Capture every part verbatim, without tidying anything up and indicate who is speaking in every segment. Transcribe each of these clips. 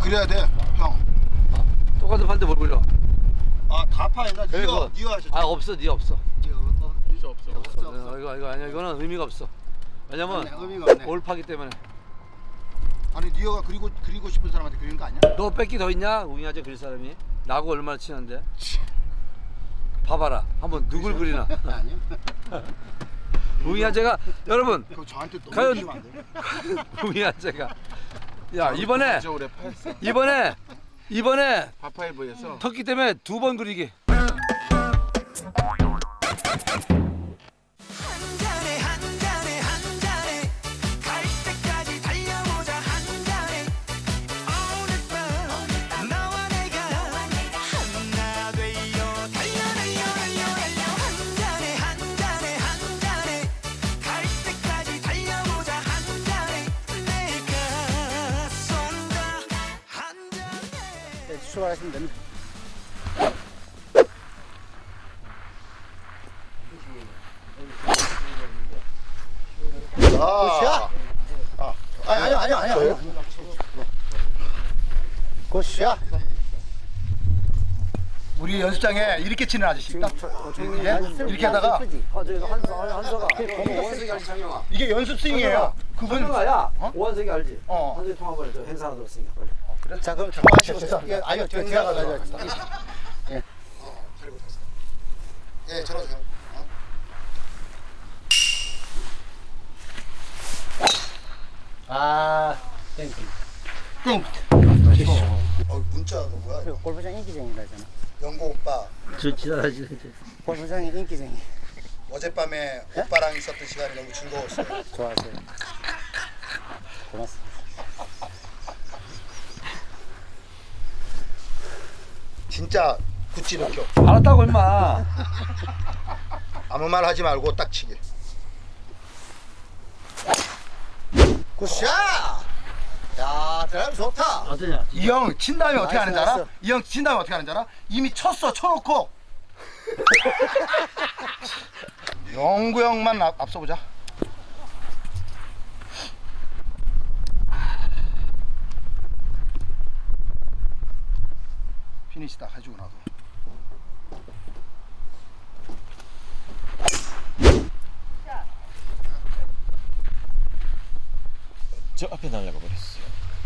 Speaker 1: 그래야 돼, 형.
Speaker 2: 똑같은 판데 뭘 그려?
Speaker 1: 아, 다 파인다.
Speaker 2: 그래,
Speaker 1: 니가,
Speaker 2: 그거.
Speaker 1: 니가 하셨지.
Speaker 2: 아 없어, 니 없어.
Speaker 1: 니가 없어.
Speaker 3: 없어 없어.
Speaker 1: 없어,
Speaker 2: 어,
Speaker 1: 없어.
Speaker 2: 이거 이거 아니야. 이거는 의미가 없어. 왜냐면
Speaker 1: 없네, 의미가 없네.
Speaker 2: 올파기 때문에.
Speaker 1: 아니, 니가 그리고 그리고 싶은 사람한테 그리는 거 아니야?
Speaker 2: 너 뺏기 더 있냐? 우잉아재 그릴 사람이? 나하고 얼마나 친한데? 봐봐라. 한번 누굴 그리나?
Speaker 1: 아니야.
Speaker 2: 우잉아재가 여러분
Speaker 1: 그거 저한테 너무
Speaker 2: 과연-
Speaker 1: 그리면 안 돼.
Speaker 2: 우잉아재가 야 이번에
Speaker 3: 저 올해 파였어.
Speaker 2: 이번에 이번에
Speaker 3: 파파이브에서
Speaker 2: 텄기 때문에 두 번 그리기.
Speaker 4: 한 잔에 한 잔에 한 잔에 갈 때까지 달려보자 한 잔에 오늘 밤 너와 내가 하나 되어 달려 달려 달려 달려 한 잔에 한 잔에 한 잔에 갈 때까지 달려보자 한 잔에 내가 쏜다 한 잔에
Speaker 1: 출발하시면 됩니다. 굿샷! 아, 아니, 아니, 아니, 아니. 굿샷! 우리 연습장에 이렇게 치는 아저씨 있다. 예? 이렇게 하다가
Speaker 2: 아 저기 한서 한서가 오한석이 알지 창영아.
Speaker 1: 이게 연습 스윙이에요. 그분
Speaker 2: 창영아야
Speaker 1: 어?
Speaker 2: 오한석이 알지?
Speaker 1: 어.
Speaker 2: 한석이 통화 보내. 저 행사 하나 들었으니까 빨리.
Speaker 1: 자 그럼 잠깐 하시고 예, 아니요 제가 제가 가져가겠습니다. 예. 예, 저러세요. 아, 땡큐. 땡큐. 어, 문자가 뭐야?
Speaker 5: 골프장 인기쟁이라잖아.
Speaker 1: 영고 오빠,
Speaker 2: 저 지랄하지.
Speaker 5: 골프장이 인기쟁이.
Speaker 1: 어젯밤에 오빠랑 있었던 시간이 너무 즐거웠어요.
Speaker 5: 좋아하세요. 고맙습니다.
Speaker 1: 진짜 굳지 느껴.
Speaker 2: 알았다고 임마.
Speaker 1: 아무 말 하지 말고 딱 치길. 굿샷! 야, 드라이브 좋다.
Speaker 2: 어떠냐?
Speaker 1: 이 형 친 다음에 어떻게
Speaker 5: 나이스,
Speaker 1: 하는지 알아?
Speaker 5: 나이스.
Speaker 1: 이 형 친 다음에 어떻게 하는지 알아? 이미 쳤어, 쳐놓고. 영구 형만 앞, 앞서보자. 피니시 딱 해주고 나도.
Speaker 3: 저 앞에 날라가 버렸어.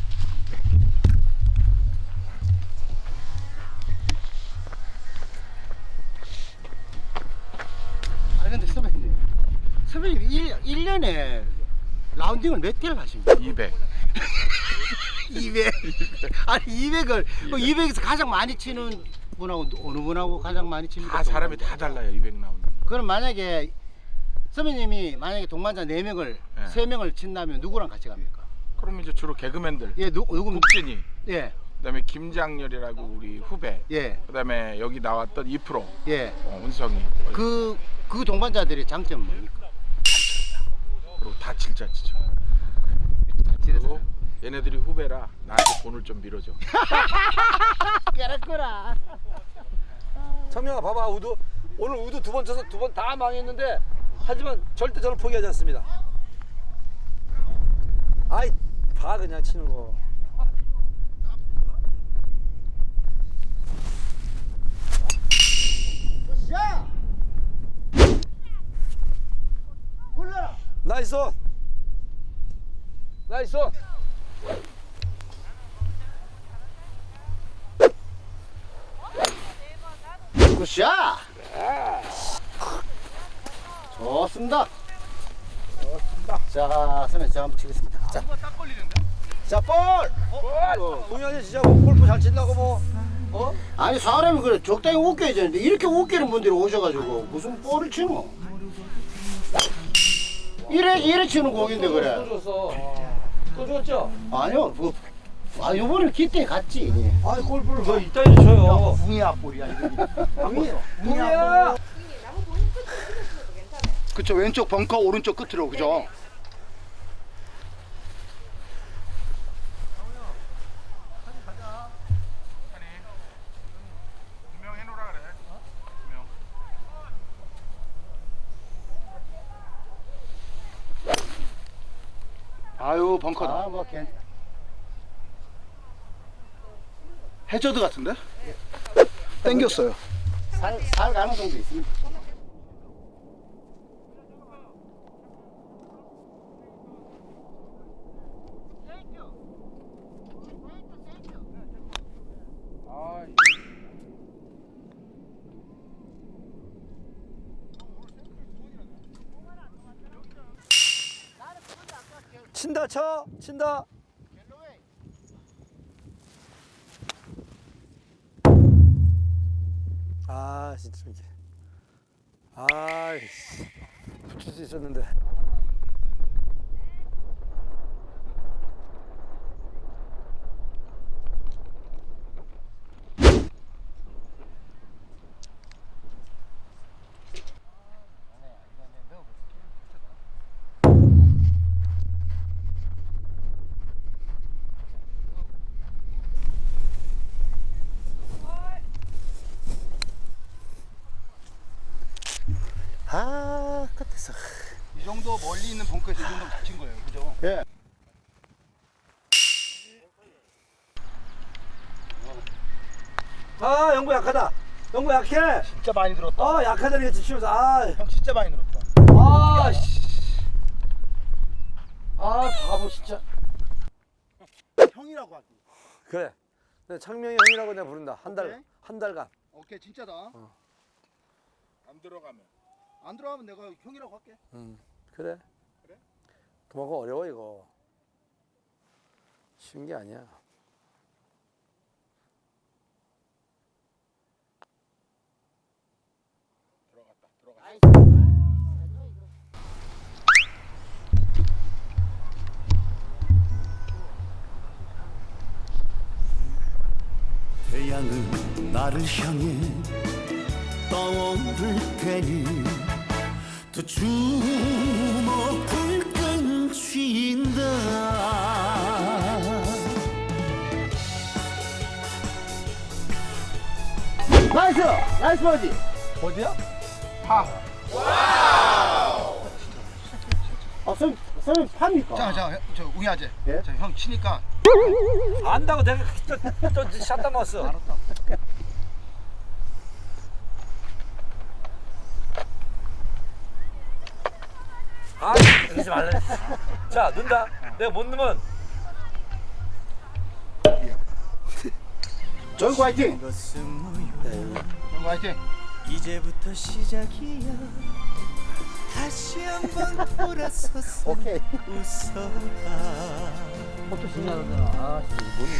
Speaker 5: 아니 근데 선배님, 선배님 일, 일 년에 라운딩을 몇 개를 하십니까?
Speaker 3: 이백.
Speaker 5: 이백. 아니 이백을 이백에서 가장 많이 치는 분하고 어느 분하고 가장 많이 칩니까?
Speaker 3: 다 사람이 다 달라요. 이백 라운드.
Speaker 5: 그럼 만약에 선배님이 만약에 동반자 네 명을
Speaker 3: 네.
Speaker 5: 세 명을 친다면 누구랑 같이 갑니까?
Speaker 3: 그럼 이제 주로 개그맨들.
Speaker 5: 예, 누 누구?
Speaker 3: 국진이.
Speaker 5: 예,
Speaker 3: 그다음에 김장렬이라고 우리 후배.
Speaker 5: 예,
Speaker 3: 그다음에 여기 나왔던 이 프로
Speaker 5: 예.
Speaker 3: 어, 운성이.
Speaker 5: 그 그 동반자들의 장점은 뭡니까?
Speaker 3: 그리고 다 진짜 치죠. 그리고 얘네들이 후배라 나한테 돈을 좀 밀어줘.
Speaker 5: 깨랄거라.
Speaker 2: 창영아 봐봐 우드 오늘 우드 두 번 쳐서 두 번 다 망했는데 하지만 절대 저는 포기하지 않습니다. 아이 봐 그냥 치는 거.
Speaker 5: 야! 굴러라.
Speaker 2: 나이스. 나이스.
Speaker 5: 굿샷! 좋습니다. 좋습니다. 자, 선생님 제가 한번 치겠습니다. 자, 자, 볼!
Speaker 2: 동현이 진짜 뭐 골프 잘 친다고 뭐 어?
Speaker 5: 아니 사람이 그래 적당히 웃겨야 되는데 이렇게 웃기는 분들이 오셔가지고 무슨 볼을 치노? 이래 이래 치는 공인데
Speaker 2: 또
Speaker 5: 그래.
Speaker 2: 줬어. 또 줬죠?
Speaker 5: 아니요, 뭐, 아 요번에 기대 갔지.
Speaker 2: 아니 골프를 뭐 이따위 쳐요.
Speaker 1: 붕이야 볼이야 이거.
Speaker 2: 동이야.
Speaker 1: 그쵸, 왼쪽 벙커 오른쪽 끝으로 그죠?
Speaker 3: 분명해놓으라 그래.
Speaker 1: 아유 벙커다.
Speaker 5: 아, 뭐 괜.
Speaker 1: 해저드 같은데? 땡겼어요.
Speaker 5: 살, 살 가능성도 있습니다.
Speaker 2: 친다 쳐 친다. 아 진짜 이게 아이씨 붙일 수 있었는데.
Speaker 5: 아, 끝에서.
Speaker 1: 이 정도 멀리 있는 벙커에서 이 정도 다친 거예요. 그죠?
Speaker 5: 예.
Speaker 2: 아 영구 약하다. 영구 약해.
Speaker 1: 진짜 많이 들었다.
Speaker 2: 아 약하다니까 치면서 아.
Speaker 1: 형 진짜 많이 들었다.
Speaker 2: 아 씨. 아 바보 진짜.
Speaker 1: 형이라고 하기.
Speaker 2: 그래. 내가 창명이 형이라고 내가 부른다. 한 달,
Speaker 1: 오케이.
Speaker 2: 한 달간.
Speaker 1: 오케이 진짜다.
Speaker 3: 안 들어가면.
Speaker 1: 안 들어가면 내가 형이라고 할게.
Speaker 2: 응. 그래.
Speaker 1: 그래?
Speaker 2: 그만큼 어려워 이거. 쉬운 게 아니야.
Speaker 3: 들어갔다. 들어갔다.
Speaker 4: 태양은 나를 향해 떠오를 테니 두 주먹을 끈 쥔다.
Speaker 5: 나이스! 나이스 버디!
Speaker 2: 어디야?
Speaker 1: 파.
Speaker 5: 아, 선생님, 선생님 팝니까?
Speaker 1: 자, 자, 저 웅이아재.
Speaker 5: 예?
Speaker 1: 자, 형 치니까
Speaker 2: 안다고 내가 또 샷다 먹었어.
Speaker 1: 알았다.
Speaker 2: 아, 그러지 말래. 자, 넣는다. 내가 못 넣으면
Speaker 5: 전구 화이팅!
Speaker 4: 것은 뭐요
Speaker 1: 형 화이팅.
Speaker 4: 이제부터 시작이야. 다시 한번 돌아서서
Speaker 5: 오케이.
Speaker 4: 웃어봐.
Speaker 2: 포토 신나는구나. 아, 진짜 몸이.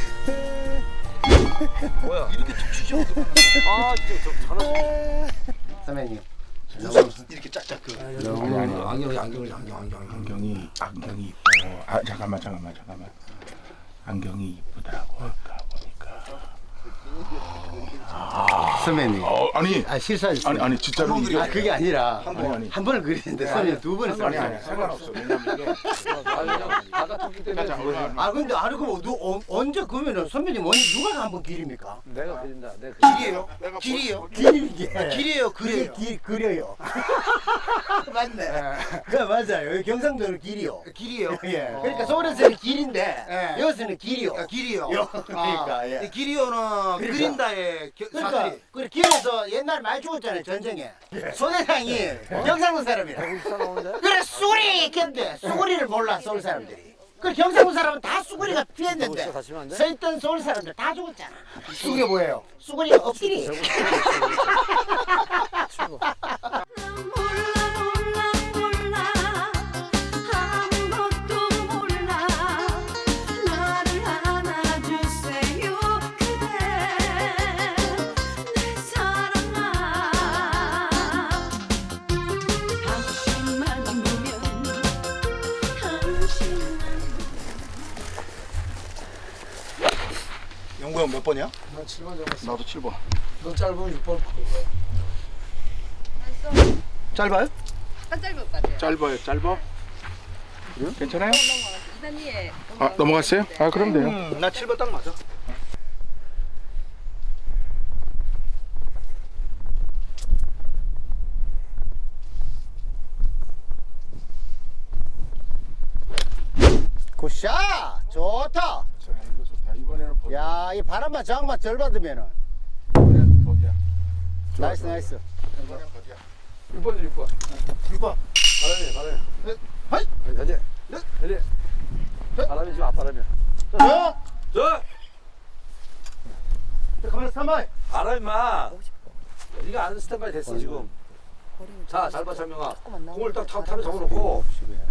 Speaker 2: 뭐야?
Speaker 1: 이렇게 툭 치죠.
Speaker 2: 아, 진짜 저 잘하시네.
Speaker 5: 선생님.
Speaker 1: 이렇게 짝짝 그.
Speaker 2: 아니, 아니, 안경이 안경이 안경 안경 안경.
Speaker 3: 안경이 안경이 이뻐. 아 잠깐만 잠깐만 잠깐만. 안경이 이쁘다고 아까 보니까.
Speaker 5: 선생님.
Speaker 3: 어 아니
Speaker 5: 아, 실수하셨어요.
Speaker 3: 아니 아니 진짜로 이게
Speaker 5: 아, 그게 아니라
Speaker 3: 아니, 아니.
Speaker 5: 한 번을 그리는데 선생님 두 번을
Speaker 3: 아니
Speaker 5: 썼어요.
Speaker 3: 아니 상관없어. 왜냐면 이게
Speaker 2: 바다 토끼 때문에.
Speaker 3: 자, 자, 올라.
Speaker 5: 아, 근데 아니 그럼 누, 어, 언제 그러면은 선배님 언제 누가 한번 기립니까?
Speaker 2: 내가 그린다. 내가
Speaker 1: 길이에요? 길이에요?
Speaker 5: 기리는 게
Speaker 1: 길이에요, 그래요.
Speaker 5: 길 그려요. 맞네. 그 맞아요. 여기 경상도는 길이요.
Speaker 1: 길이에요.
Speaker 5: 예. 그러니까 서울에서는 길인데
Speaker 1: 예.
Speaker 5: 여기서는 길이요.
Speaker 1: 아, 길이요.
Speaker 5: 요. 그러니까 예.
Speaker 1: 이 길이요는
Speaker 5: 그러니까.
Speaker 1: 그린다의 겨-
Speaker 5: 그러니까
Speaker 1: 사투리.
Speaker 5: 그 길에서 옛날 많이 죽었잖아요 전쟁에. 소대장이 경상도 사람이라.
Speaker 2: 울산 나오는데?
Speaker 5: 그래 수구리 근데 수구리를 몰라 서울 사람들이. 그 경상도 사람은 다 수구리가 피했는데
Speaker 2: 진짜 다치면 안 돼?
Speaker 5: 서 있던 서울 사람들 다 죽었잖아. 수구리 뭐예요? 수구리가 엎드리.
Speaker 6: 몰라 몰라 몰라 아무것도 몰라 나를 안아주세요 그대 내 사랑아 당신만 보면 당신만
Speaker 1: 영구 형 몇 번이야?
Speaker 2: 나 칠 번 잡았어.
Speaker 1: 나도 칠 번.
Speaker 2: 너 짧으면 육 번.
Speaker 1: 짧아요?
Speaker 7: 약간 짧을 것 같아요.
Speaker 3: 짧아요 짧아. 괜찮아요?
Speaker 7: 이단위에
Speaker 3: 아 넘어갔어요? 아 그럼 돼요.
Speaker 1: 음, 나 칠 번 딱 맞아.
Speaker 5: 굿샷 좋다.
Speaker 3: 자 이거 좋다. 이번에는
Speaker 5: 야, 이 바람만 저항만 절 받으면은.
Speaker 3: 어디야?
Speaker 5: 나이스, 나이스.
Speaker 2: 육 번이죠, 육 번.
Speaker 5: 육 번.
Speaker 2: 바람이, 바람이.
Speaker 5: 네. 하이.
Speaker 2: 현재. 현재. 바람이 지금 앞바람이야.
Speaker 5: 자,
Speaker 2: 저!
Speaker 5: 자, 가만히 삼아.
Speaker 2: 알아, 임마. 네가 아는 스탠바이 됐어, 지금. 자, 잘 봐, 장명아. 공을 딱 탑, 탑에 잡아놓고.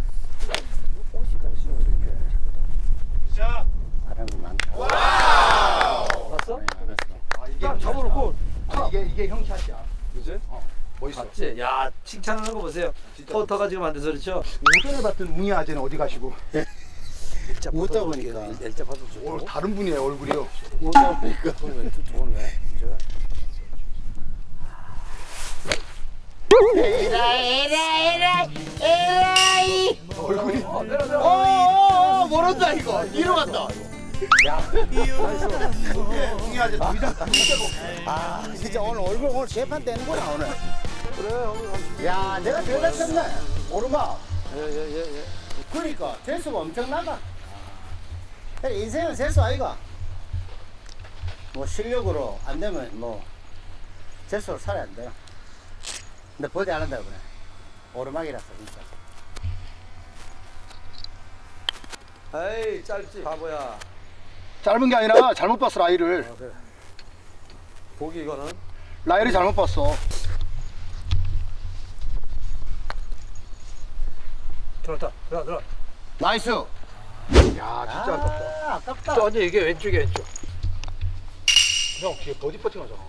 Speaker 5: 자. 바람이 많다.
Speaker 2: 봤어?
Speaker 1: 아, 이게
Speaker 2: 딱 잡아놓고.
Speaker 1: 아, 이게 이게 형 샷이야.
Speaker 2: 그치?
Speaker 1: 멋있어.
Speaker 2: 봤지? 야, 칭찬하는 거 보세요. 포터가 지금 안 돼서 그렇죠?
Speaker 1: 오전에 봤던 웅이 아재는 어디 가시고?
Speaker 2: 일자
Speaker 5: 웃다 보니까.
Speaker 2: 일자 봐도
Speaker 1: 오늘 다른 분이에요 얼굴이요.
Speaker 5: 웃다 보니까.
Speaker 2: 오늘 왜? 오늘 왜?
Speaker 5: 에라, 에라, 에라, 에라이.
Speaker 1: 얼굴이.
Speaker 2: 어, 내려, 내려.
Speaker 5: 어, 어, 모른다, 이거. 이리 간다.
Speaker 1: 웅이 아재 더 이상 다
Speaker 5: 아, 진짜 오늘 얼굴 오늘 재판 되는구나, 오늘.
Speaker 2: 그래, 오늘.
Speaker 5: 야, 내가 대단했네. 오르막.
Speaker 2: 예, 예, 예, 예.
Speaker 5: 그러니까 재수가 엄청나다. 인생은 재수 아이가. 뭐 실력으로 안 되면 뭐 재수로 살아야 안 돼요. 근데 버디 안 한다고 그래. 오르막이라서 진짜.
Speaker 2: 에이, 짧지, 바보야.
Speaker 1: 짧은 게 아니라 잘못 봤어 라이를.
Speaker 2: 아, 그래. 보기 이거는.
Speaker 1: 라이를 잘못 봤어.
Speaker 2: 들었다, 들어, 들어.
Speaker 1: 나이스. 야 진짜 아깝다.
Speaker 5: 아, 아깝다.
Speaker 2: 또 언니 이게 왼쪽에 왼쪽.
Speaker 1: 형 뒤에 버디 퍼팅 하잖아.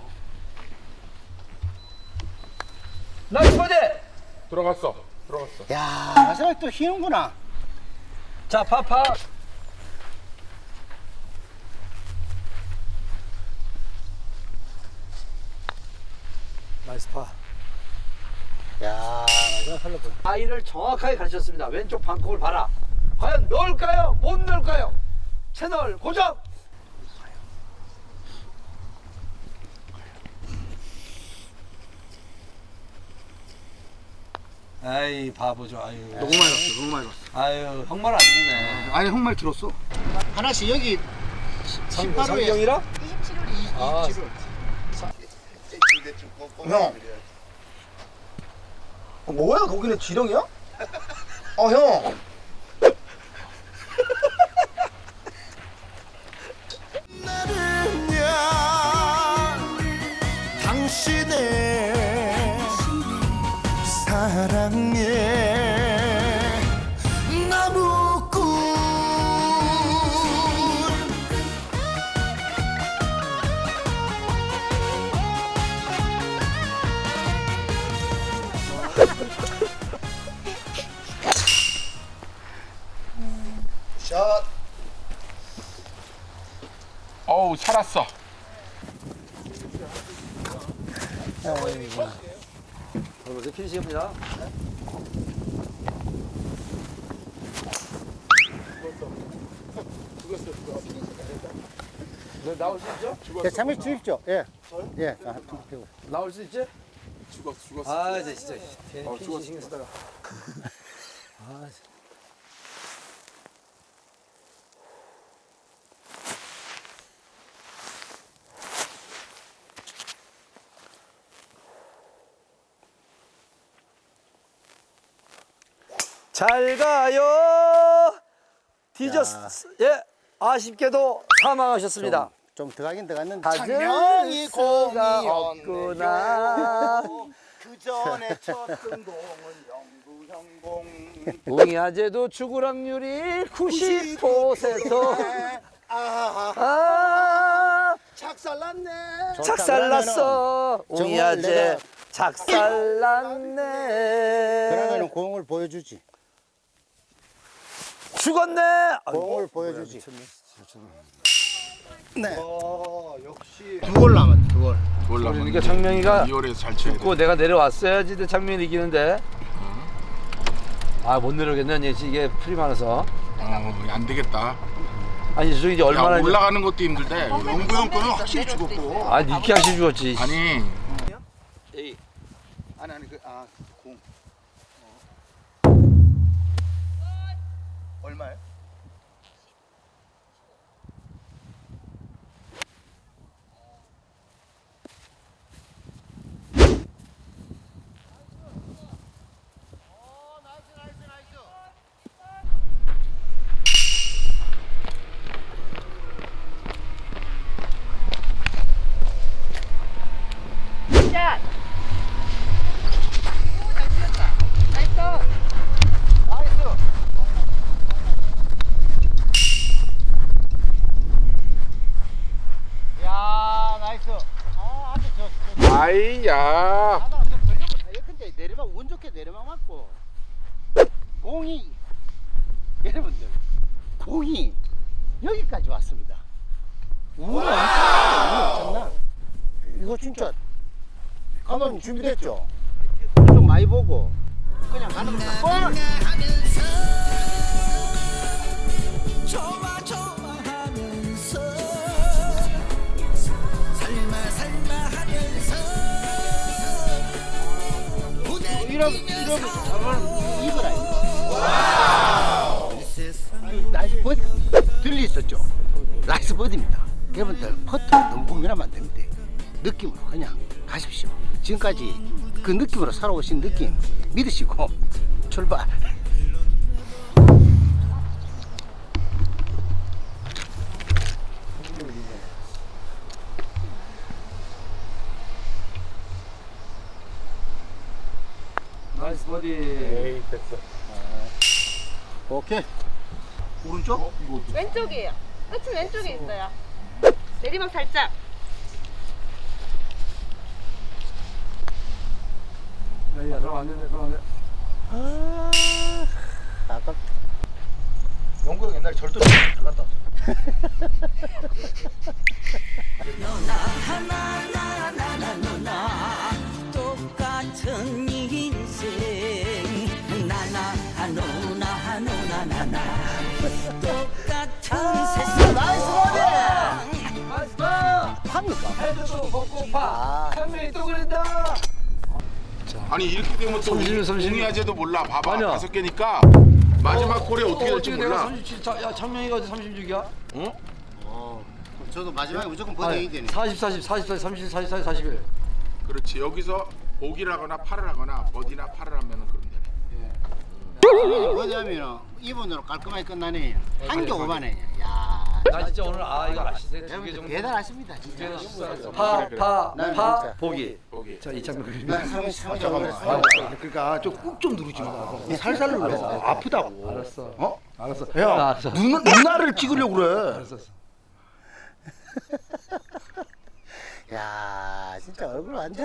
Speaker 2: 나이스 버디!
Speaker 3: 들어갔어. 들어갔어.
Speaker 5: 야, 마지막에 또 휘는구나.
Speaker 2: 자, 파파. 나이스 파.
Speaker 5: 야, 마지막 살려보.
Speaker 2: 아이를 정확하게 가르쳤습니다. 왼쪽 방콕을 봐라. 과연 넣을까요? 못 넣을까요? 채널 고정! 아이 바보죠. 아유.
Speaker 1: 너무 많이 봤어. 너무 많이 봤어.
Speaker 2: 아유 형말 안 듣네.
Speaker 1: 아니 형 말 들었어.
Speaker 5: 하나씩 여기 십팔 호에
Speaker 2: 성경이라? 아,
Speaker 1: 형. 어, 뭐야 거기는 지렁이야? 어 형.
Speaker 4: 나는야 당신의 사랑의 나무꾼
Speaker 1: 샷.
Speaker 3: 어우 살았어.
Speaker 2: 이제 피니시입니다. 네, 나올 수 있죠?
Speaker 5: 예, 잠시 주십시오. 예. 예. 자, 좀 피고.
Speaker 2: 나올 수 있지?
Speaker 3: 죽었어 죽었어.
Speaker 2: 아, 이제 진짜 괜히
Speaker 3: 어,
Speaker 2: 피니시
Speaker 3: 죽었어.
Speaker 2: 신경 쓰다가. 아, 진짜. 잘 가요. 뒤졌. 예, 아쉽게도 사망하셨습니다.
Speaker 5: 좀 들어가긴 들어갔는데.
Speaker 2: 찾을 수가 없구나.
Speaker 1: 그 전에 쳤던 공은 영구 형공.
Speaker 2: 웅이아재도 죽으락률이 구십 퍼센트.
Speaker 1: 아
Speaker 2: 아,
Speaker 1: 착살났네.
Speaker 2: 작살났어.
Speaker 5: 정말
Speaker 2: 웅이아재
Speaker 5: 내가-
Speaker 2: 작살났네.
Speaker 5: 그러면은 공을 보여주지.
Speaker 2: 죽었네.
Speaker 5: 공을 보여주지. 네.
Speaker 1: 어 역시.
Speaker 5: 두 골 남았다. 두 골.
Speaker 2: 그러니까 장명이가
Speaker 3: 이월에서 잘 쳐야 돼.
Speaker 2: 죽고 내가 내려왔어야지 내 장면이 이기는데. 아, 못 내려오겠네. 이게 풀이 많아서.
Speaker 3: 어, 안 되겠다.
Speaker 2: 아니, 저기 이제 얼마나.
Speaker 3: 야, 올라가는 것도 힘들대.
Speaker 1: 영구 형 거는 확실히 죽었고.
Speaker 2: 아, 니키 하시 죽었지.
Speaker 3: 아니
Speaker 2: 에이.
Speaker 1: 아니 아니 그아 공. 얼마요?
Speaker 3: 아이야.
Speaker 5: 바다가 좀 걸려고 다 예컨대 내리막 운 좋게 내리막 맞고 공이 여러분들 공이 여기까지 왔습니다. 운이 엄청나. 운이 엄청나. 이거 진짜 감독님 준비됐죠? 좀 많이 보고 그냥 가는 겁니다. 볼!
Speaker 4: 좋아 좋아하면서 살마 살마 하면서
Speaker 5: 이러면 이러면 잡으면 이거라 이거. 나이스 버디 들리셨죠? 나이스 버디입니다. 여러분들 퍼트 너무 고민하면 안 됩니다. 느낌으로 그냥 가십시오. 지금까지 그 느낌으로 살아오신 느낌 믿으시고 출발.
Speaker 2: 나이스 버디.
Speaker 3: 에이 됐어.
Speaker 5: 오케이. 오른쪽?
Speaker 7: 왼쪽이에요. 끝은 왼쪽에 있어요. 내리막 살짝.
Speaker 2: 야야 들어갔는데 들어갔네.
Speaker 5: 아, 아깝다.
Speaker 1: 영구 형 옛날에 절도 들어갔다 왔어.
Speaker 4: 나나나나나 누나 똑같은 인생 나나 누나 누나 나나 똑같은 세상
Speaker 5: 나이스 버디!
Speaker 2: 나이스 버.
Speaker 5: 팝니까?
Speaker 2: 헤드도 벗고 파.
Speaker 5: 아.
Speaker 2: 한 명이 또 그린다.
Speaker 3: 아니 이렇게 되면 또
Speaker 2: 삼십일, 삼십일.
Speaker 3: 공이아재도 몰라. 봐봐
Speaker 2: 아니야.
Speaker 3: 다섯 개니까 마지막 콜에 어떻게 될지
Speaker 2: 내가
Speaker 3: 몰라.
Speaker 2: 삼십칠. 자, 야 창명이가 어디 삼십육이야?
Speaker 3: 어?
Speaker 5: 어, 저도 마지막에 무조건 버디 되네.
Speaker 2: 사십, 사십, 사십, 사십, 삼십, 사십, 사십, 사십일.
Speaker 3: 그렇지. 여기서 보기를 하거나 팔을 하거나 버디나 팔을 하면은 그럼 되네.
Speaker 5: 버디 하면 이분으로 깔끔하게 끝나네. 한 개 오반에. 야,
Speaker 2: 나 진짜 오늘 아 이거 아시세 두개 정도.
Speaker 5: 대단하십니다. 진짜.
Speaker 2: 두개나 실수했어.
Speaker 3: 그래,
Speaker 2: 파,
Speaker 3: 그래.
Speaker 2: 파,
Speaker 5: 난
Speaker 2: 파,
Speaker 5: 진짜.
Speaker 2: 보기.
Speaker 3: 보기.
Speaker 2: 자 이창명 그림.
Speaker 5: 나 상현 상현
Speaker 1: 잠깐만.
Speaker 5: 잠깐만.
Speaker 1: 그러니까 좀 꾹 좀 누르지 마. 살살 눌러. 아프다고.
Speaker 2: 알았어.
Speaker 1: 어?
Speaker 2: 알았어.
Speaker 1: 야,
Speaker 2: 알았어.
Speaker 1: 누나 누나를 찍으려고 그래.
Speaker 2: 알았어.
Speaker 5: 야, 진짜 얼굴 완전.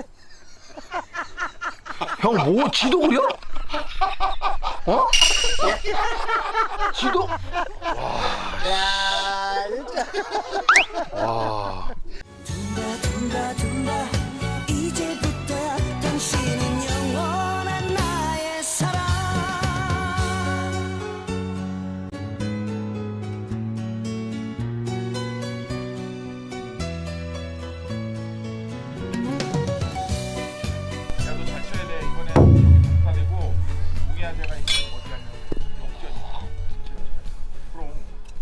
Speaker 1: 형 뭐 지도 그려? 어? 지도?
Speaker 5: 야, 진짜.
Speaker 1: 와.
Speaker 4: 둔다 둔다 둔다 이제부터야 당신은 영원한 나의 사랑
Speaker 3: 야도 잘 쳐야 돼. 이번에 축하되고 공이아재가 이제 어디 가냐? 역전이야. 그럼.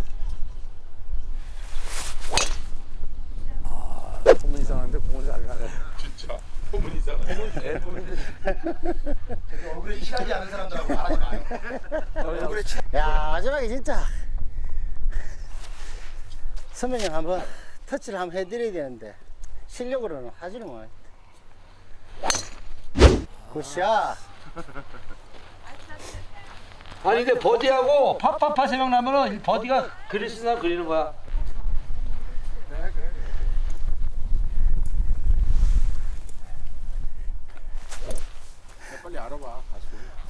Speaker 2: 소문 이상한데 공을 잘 가네.
Speaker 3: 진짜 소문 이상해.
Speaker 2: 애 소문이.
Speaker 1: 얼굴에 친하지 않은 사람들하고 말하지 마요. 얼굴에 친.
Speaker 5: 야, 마지막에 진짜. 선배님 한번 터치를 한번 해드려야 되는데 실력으로는 하지는 못해. 굿샷.
Speaker 2: 아니 근데 버디하고 파파파 세 명 나면은 버디가 그릴 수 있는 사람 그리는 거야.
Speaker 3: 빨리 알아봐 가수.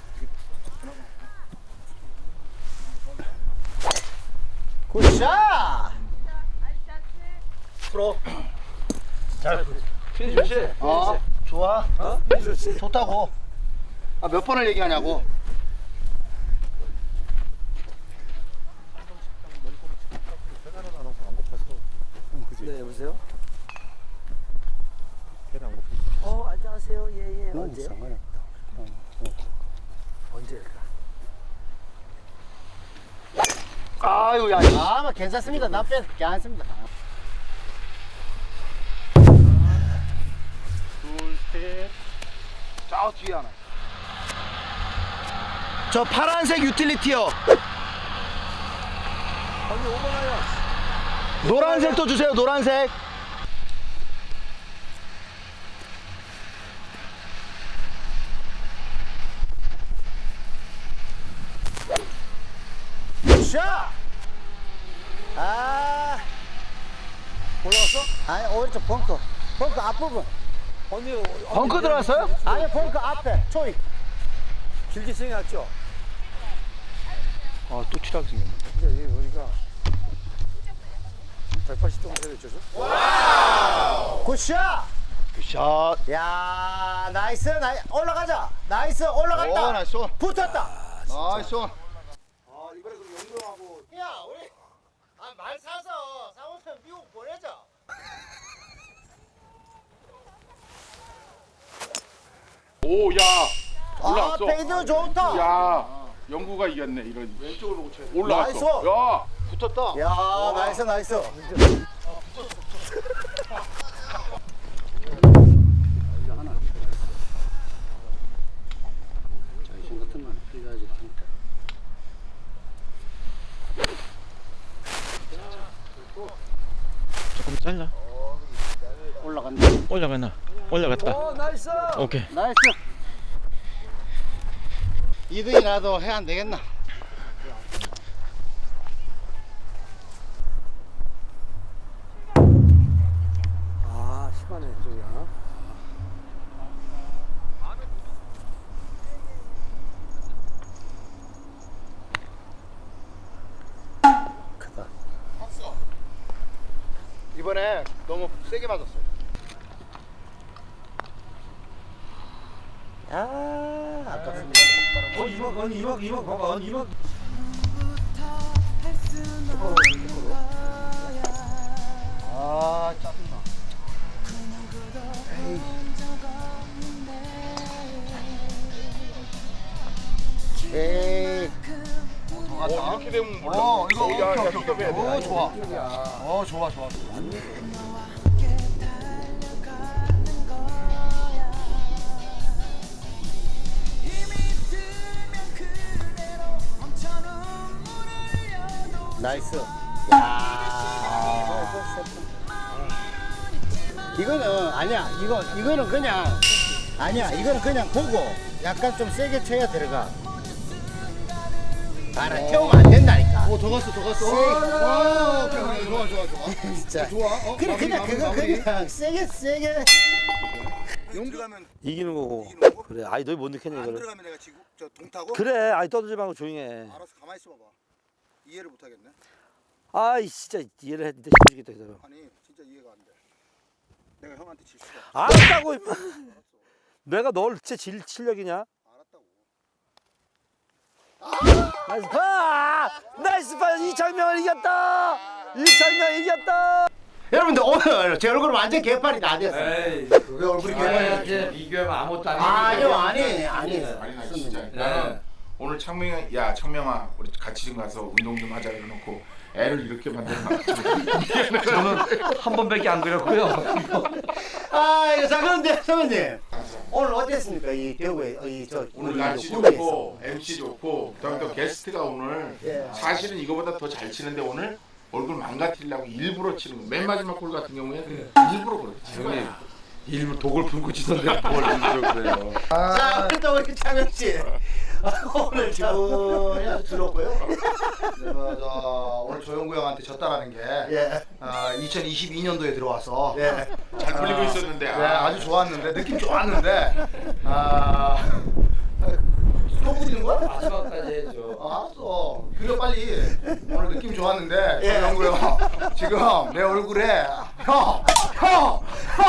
Speaker 5: 굿샷. 프로.
Speaker 2: 잘. 필이 좋지.
Speaker 5: 어, 좋아.
Speaker 2: 어? 필이 좋지.
Speaker 5: 좋다고. 아, 몇 번을 얘기하냐고.
Speaker 2: 네 여보세요.
Speaker 5: 어, 안녕하세요. 예, 예. 언제? 상관없다. 어, 어. 언제? 아유, 야, 아, 뭐 괜찮습니다. 나 빼, 괜찮습니다.
Speaker 1: 둘, 셋. 저 뒤에 하나. 저 파란색 유틸리티요.
Speaker 2: 거기 오버나요.
Speaker 1: 노란색도 주세요. 노란색.
Speaker 5: 샷! 아, 올라왔어? 아니, 오른쪽 벙커. 벙커 앞부분.
Speaker 2: 언니
Speaker 5: 벙커 들어왔어요? 아니 벙커 앞에 초이.
Speaker 2: 길게 생겼죠?
Speaker 3: 아, 또 칠하게 생겼네.
Speaker 2: 근데 여기 보니까 백팔십 정도 되겠죠?
Speaker 5: 굿샷.
Speaker 1: 샷.
Speaker 5: 야 나이스 나이 올라가자. 나이스 올라갔다.
Speaker 1: 오, 나이스.
Speaker 5: 붙었다.
Speaker 1: 나이스.
Speaker 5: 야 우리 아, 말 사서 사오면 미국 보내자.
Speaker 3: 오, 야.
Speaker 5: 아
Speaker 3: 올라왔어.
Speaker 5: 페이드 좋다.
Speaker 3: 야, 영구가 이겼네. 이런 왼쪽을 보고 쳐야 돼. 올라왔어.
Speaker 5: 나이스.
Speaker 3: 야,
Speaker 1: 붙었다.
Speaker 5: 야 나이스 나이스. 자신 같은 건 필요하지 않다.
Speaker 8: 조금 잘라.
Speaker 5: 올라간다.
Speaker 8: 올라갔나? 올라갔다.
Speaker 2: 오 나이스.
Speaker 8: 오케이.
Speaker 5: 나이스. 이 등이라도 해 안 되겠나?
Speaker 2: 아 심하네 저기야.
Speaker 5: 크다.
Speaker 1: 이번에 너무 세게 맞았어요.
Speaker 5: 아 아깝습니다.
Speaker 2: 어 이만 아니 이만 이만 봐봐 아니 이만.
Speaker 1: 아, 짜증나.
Speaker 5: 에이.
Speaker 1: 더
Speaker 3: 어,
Speaker 1: 갔다.
Speaker 3: 이렇게 되면 몰라.
Speaker 1: 어, 이거
Speaker 3: 야, 야,
Speaker 1: 오케이, 오케이, 오케이.
Speaker 3: 야,
Speaker 1: 오, 좋아. 어, 좋아, 좋아.
Speaker 5: 나이스. 야. 이거는 아니야. 이거 이거는 그냥 아니야. 이거는 그냥 보고 약간 좀 세게 쳐야 들어가. 알아. 태우면 안 된다니까.
Speaker 1: 오, 더 갔어, 더 갔어. 와, 오케이, 좋아, 좋아, 좋아.
Speaker 5: 진짜.
Speaker 1: 좋아. 어,
Speaker 5: 그래
Speaker 1: 마무리,
Speaker 5: 그냥
Speaker 1: 마무리,
Speaker 5: 그거
Speaker 1: 마무리.
Speaker 5: 그냥 세게 세게.
Speaker 1: 들어가면
Speaker 2: 이기는 거고.
Speaker 1: 이기는 거고?
Speaker 2: 그래 아이 너희 못 느꼈냐
Speaker 1: 안
Speaker 2: 이거를.
Speaker 1: 들어가면 내가 지금 저 동타고.
Speaker 2: 그래 아이 떠들지 말고 조용히 해.
Speaker 1: 알아서 가만히 있어 봐봐. 이해를 못 하겠네.
Speaker 2: 아이 진짜 이해를 했는데 힘주겠다 기다려.
Speaker 1: 아니, 진짜 이해가 안 돼. 내가 형한테 질 수가. 없어.
Speaker 2: 알았다고 임마. 내가 널 진짜 질 실력이냐?
Speaker 1: 알았다고.
Speaker 2: 나이스 파! 나이스 파! 이창명을 이겼다! 이창명 이겼다!
Speaker 5: 여러분들 오늘 제 얼굴 완전 개판이 다 됐어.
Speaker 2: 에이
Speaker 1: 왜 얼굴이 개판이야?
Speaker 2: 비교하면 아무것도
Speaker 5: 아니요 아니 아니.
Speaker 3: 아니, 나 진짜. 나는 오늘 창명이, 야, 창명아, 우리 같이 좀 가서 운동 좀 하자 이러놓고 애를 이렇게 만들면
Speaker 2: 저는 한 번밖에 안 그렸고요.
Speaker 5: 아 이거 자 그런데 선배님 오늘 어땠습니까 이 대구에 이저
Speaker 3: 오늘 날씨 좋고 엠씨 좋고 그다음에 또 게스트가 오늘
Speaker 5: 예.
Speaker 3: 사실은 이거보다 더 잘 치는데 오늘 얼굴 망가뜨리려고 일부러 치는 거. 맨 마지막 골 같은 경우에 일부러 그렇게 치는 거야.
Speaker 2: 일부 독을 품고 치던데 뭘 일부러 그래요.
Speaker 5: 자 그래도 우리 창현 씨 오늘 저 들었고요.
Speaker 1: 네, 뭐, 저, 오늘 조영구 형한테 졌다라는 게
Speaker 5: 예.
Speaker 1: 아, 이천이십이 년도에 들어와서
Speaker 5: 예.
Speaker 3: 잘 풀리고 있었는데
Speaker 1: 네,
Speaker 3: 아,
Speaker 1: 아주 좋았는데 느낌 좋았는데 아, 또 부리는 거야?
Speaker 2: 마지막까지 해줘.
Speaker 1: 아, 알았어. 그래 빨리. 오늘 느낌 좋았는데
Speaker 5: 예.
Speaker 1: 조영구 형 지금 내 얼굴에 형, 형,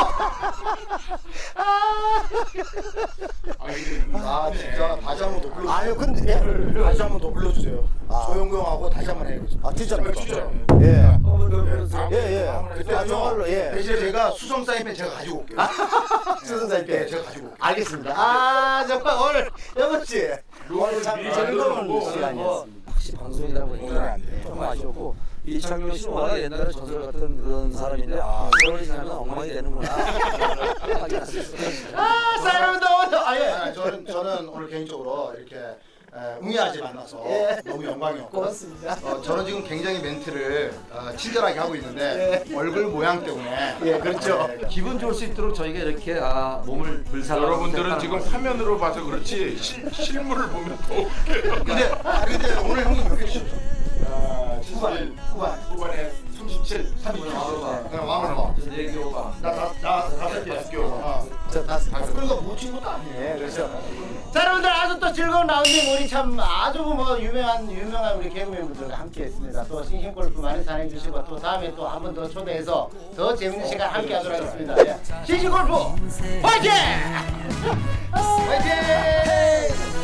Speaker 3: 아, 이게
Speaker 1: 아 진짜 다시 한 번 더 불러.
Speaker 5: 아유 근데
Speaker 1: 다시 한 번 더 불러주세요.
Speaker 5: 아.
Speaker 1: 조영구 형하고 다시 한 번 해요.
Speaker 5: 아 진짜입니까?
Speaker 1: 진짜.
Speaker 5: 예.
Speaker 2: 어,
Speaker 5: 예, 예.
Speaker 1: 그때
Speaker 5: 아, 정말로, 예.
Speaker 1: 대신에 제가 수성 사인펜 제가 가지고 올게요.
Speaker 5: 수선사님
Speaker 1: 네, 제가 가지고 올게요.
Speaker 5: 알겠습니다. 아 정말 오늘 여보 씨 오늘 참 즐거운 시간이었습니다.
Speaker 2: 혹시 방송이다 보니까 좀 아쉬웠고 이창명 씨는 워낙 옛날에 전설 같은 그런 사람인데 아 세월이 지나면 엉망이 되는구나.
Speaker 5: 아 사람도 오늘 아예
Speaker 1: 아, 저는 저는 오늘 개인적으로 이렇게 에, 웅이아지 만나서
Speaker 5: 예.
Speaker 1: 너무 영광이었고
Speaker 5: 고맙습니다.
Speaker 1: 어, 저는 지금 굉장히 멘트를 어, 친절하게 하고 있는데 얼굴 모양 때문에
Speaker 5: 예 그렇죠.
Speaker 1: 네,
Speaker 2: 기분 좋을 수 있도록 저희가 이렇게 아, 몸을 불살라.
Speaker 3: 여러분들은 지금 화면으로 봐서 그렇지 실, 실물을 보면 더 웃겨요.
Speaker 1: 근데 아, 근데 오늘 형님 몇 개 치셨죠?
Speaker 3: 아,
Speaker 1: 후반 후반
Speaker 3: 후반에 삼십칠,
Speaker 1: 삼십칠.
Speaker 3: 삼십칠.
Speaker 1: 네, 그냥 왕으로 봐.
Speaker 2: 얘기 오바.
Speaker 1: 나나 다섯 개 다섯 개. 어.
Speaker 5: 저 반갑습니다.
Speaker 1: 그러니까 못 친 것도 아니에요.
Speaker 5: 네, 그렇죠. 자, 여러분들 아주 또 즐거운 라운딩 우리 참 아주 뭐 유명한 유명한 우리 개그맨분들과 함께했습니다. 또 싱싱 골프 많이 사랑해 주시고 또 다음에 또 한 번 더 초대해서 더 재밌는 시간 함께하도록 하겠습니다. 예. 싱싱 골프 화이팅! 화이팅!